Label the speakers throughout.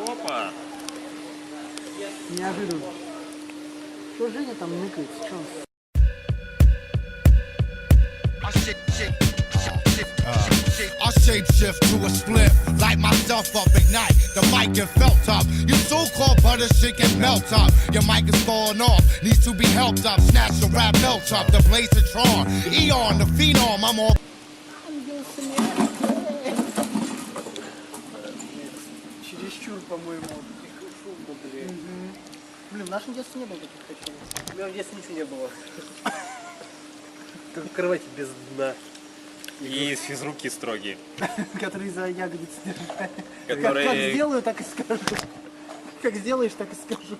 Speaker 1: Опа!
Speaker 2: Неожиданно. Что Женя там ныкает? Что?
Speaker 3: I shapeshift to a split, light myself up, ignite, the mic get felt up. You so-called butter shit get melt up. Your mic is falling off, needs to be helped up. Snatch the rap melt up, the blaze of Tron. Eon, the phenom, I'm all...
Speaker 2: Чересчур, по-моему. Блин, в нашем детстве не было таких качелей.
Speaker 4: У меня в детстве ничего не было. Только кровати без дна.
Speaker 1: И из физруки строгие.
Speaker 2: Которые за ягодицы держали.
Speaker 1: Которые...
Speaker 2: Как сделаю, так и скажу. Как сделаешь, так и скажу.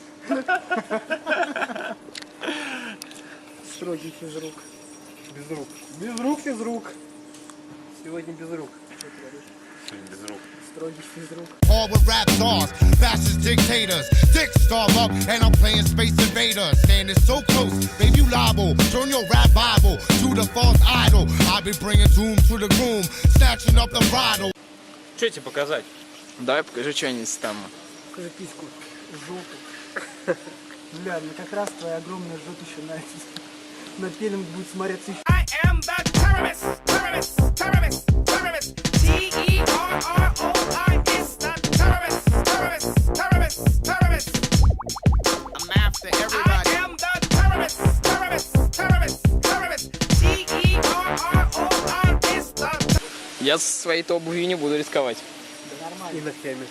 Speaker 2: Строгий физрук.
Speaker 4: Без рук. Без рук физрук. Сегодня без рук.
Speaker 1: Сегодня без рук.
Speaker 2: Строгий физрук.
Speaker 3: All with rap stars, fascist dictators. Dicks star up, and I'm playing Space Invaders. Standing so close, baby, you liable. Turn your rap Bible to the false idol. I be bringing doom to the groom, snatching up the bridle.
Speaker 1: Что тебе показать?
Speaker 5: Давай покажи что-нибудь там.
Speaker 2: Покажи письку. Жопу. Бля, ну как раз твоя огромная жопа еще на пеленг будет смотреться еще.
Speaker 6: I am the terrorist, terrorist, terrorist, terrorist. T-E-R-R-O-I is the terrorist, terrorist, terrorist, terrorist.
Speaker 3: I'm after everybody.
Speaker 6: I am the terrorist, terrorist, terrorist, terrorist. T-E-R-R-O-I is the...
Speaker 5: Я со своей обувью не буду рисковать.
Speaker 2: Да нормально.
Speaker 4: И ногтями.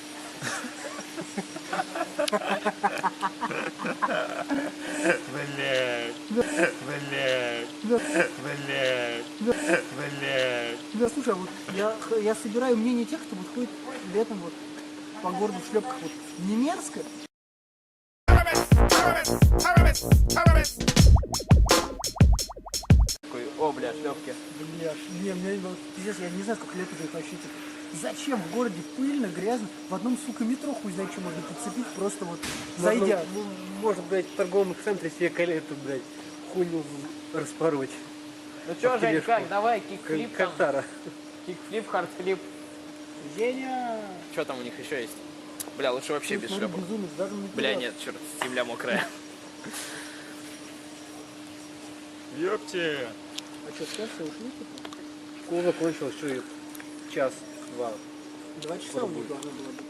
Speaker 1: Блядь. Блядь. Блядь. Блядь.
Speaker 2: Да, слушай, а вот я собираю мнение тех, кто вот ходит летом вот по городу в шлепках. Вот не мерзко?
Speaker 6: Terrorist, terrorist, terrorist.
Speaker 5: Такой, о, бля, шлепки.
Speaker 2: Бля, не, мне вот, пиздец, я не знаю, сколько лет это вообще, типа, зачем в городе пыльно, грязно, в одном, сука, метро хуй знает, что можно подцепить, просто вот зайдя.
Speaker 4: Может, блядь, в торговом центре себе колету, блядь, хуйню распороть.
Speaker 5: Ну чё, Жень,
Speaker 4: тележку.
Speaker 5: как, давай, кикфлип там.
Speaker 4: Картара.
Speaker 5: Кикфлип, хардфлип.
Speaker 2: Женя!
Speaker 5: Что там у них еще есть? Бля, лучше вообще без
Speaker 2: Смотри,
Speaker 5: шлепок.
Speaker 2: безумец, даже на
Speaker 5: Бля,
Speaker 2: пират.
Speaker 5: нет, черт, земля мокрая.
Speaker 1: Ёпте.
Speaker 2: А что, сейчас все ушли, типа?
Speaker 4: Школа закончилась, что и час-два.
Speaker 2: 2 часа у них должно было быть.